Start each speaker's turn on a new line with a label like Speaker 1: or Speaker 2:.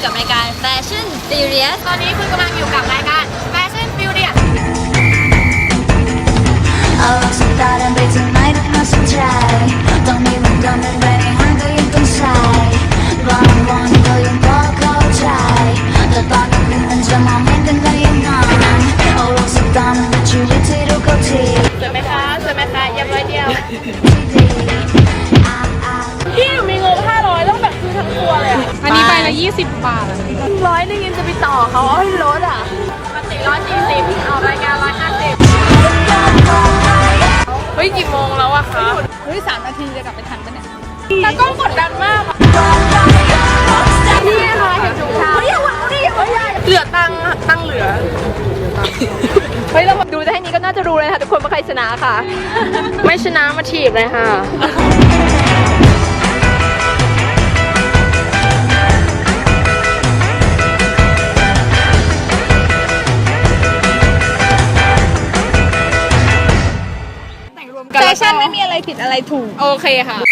Speaker 1: กับรายการ Fashion Furious
Speaker 2: ตอนนี้คุณกำลังอยู่กับรายการ Fashion Furious
Speaker 3: 다른 빛은 나이를 마신 try Don't even come and ready 한거 입금 side Run one 더 용거 go try 더 빠른 빛은 저만 힘든 거의 넌 오로지 떠는 그 줄이 뒤로 걷지
Speaker 2: สวยไหมคะเยี่ยมร้อยเดียวพี่หนูมีงบ500ต้องแบบซื้อทั้งตัวเลยอ่ะ
Speaker 4: อันนี้ใบละ20 บาท
Speaker 2: 100นึงยังจะไปต่อเขาเอาให้ลดอ่ะปกติ140เอารายการ150เฮ้ยกี่โมงแล้วอะคะ
Speaker 4: เฮ้ย3 นาทีจะกลับไปทันปะเนี่ย
Speaker 2: แต่ก็กดดันมากอะนี่ค่ะเห็นถุงเท้าเหลือตังค์เหลือ เฮ้ยเราดูได้แค่นี้ก็น่าจะรู้เลยค่ะทุกคนว่าใครชนะค่ะ ไม่ชนะมาถีบเลยค่ะ
Speaker 4: แฟชั่นไม่มีอะไรผิดอะไรถูก
Speaker 2: โอเคค่ะ